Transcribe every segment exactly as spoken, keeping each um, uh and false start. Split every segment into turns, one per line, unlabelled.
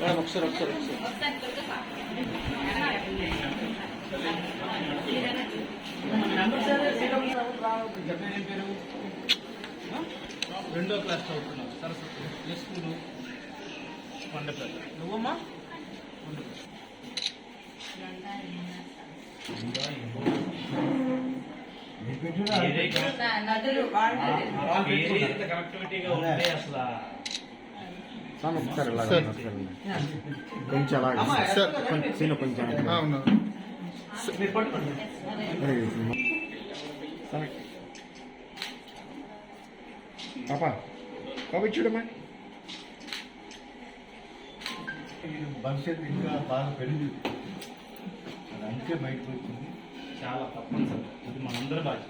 ఒకసారి ఒకసారి రెండో క్లాస్ చదువుతున్నావు సరస్వతి ఏ స్కూలు కొండపేట నువ్వమ్మా
కనెక్టివిటీగా ఉంటే అసలు
కొంచెం అలాగే కొంచెం కొంచెం పాపా పాప చూడమ్మా
భవిష్యత్తు ఇంకా బాగా పెరిగింది అది అందుకే బయటకు వచ్చింది.
చాలా తప్పనిసరి అది మనందరూ బాధ్యత.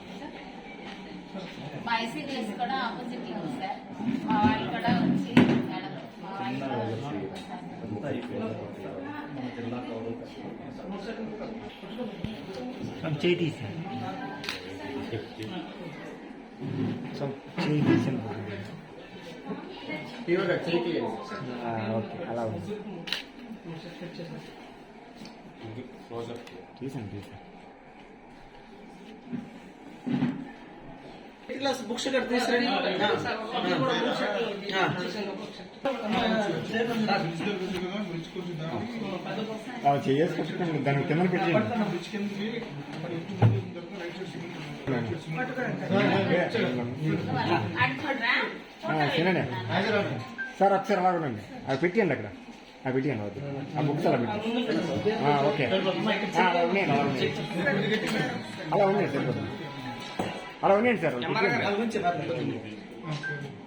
మా ఐసీడీఎస్ కూడా ఆపోజిట్ లో ఉంది సార్. మా వాళ్ళు కూడా వచ్చి మేడం మా వాళ్ళు
అంతా అయిపోయింది. మన జిల్లా గౌరవ
చేయి తీసి చేయి తీసి ఓకే అలా ఉంది తీసాను తీసాను
క్లాస్ బుక్స్ ఇక్కడ తీసుకురండి.
చేసి పెట్టుకోండి దాని కింద పెట్టండి. తినండి సార్ ఒకసారి అలాగండి అవి పెట్టియండి అక్కడ అవి పెట్టియండి వద్దు ఆ బుక్స్ అలా పెట్టండి. ఓకే అలా ఉన్నాయండి అలా ఉన్నాయి అలా ఉన్నాయి సరిపోతుంది అలా ఉన్నాయండి సార్.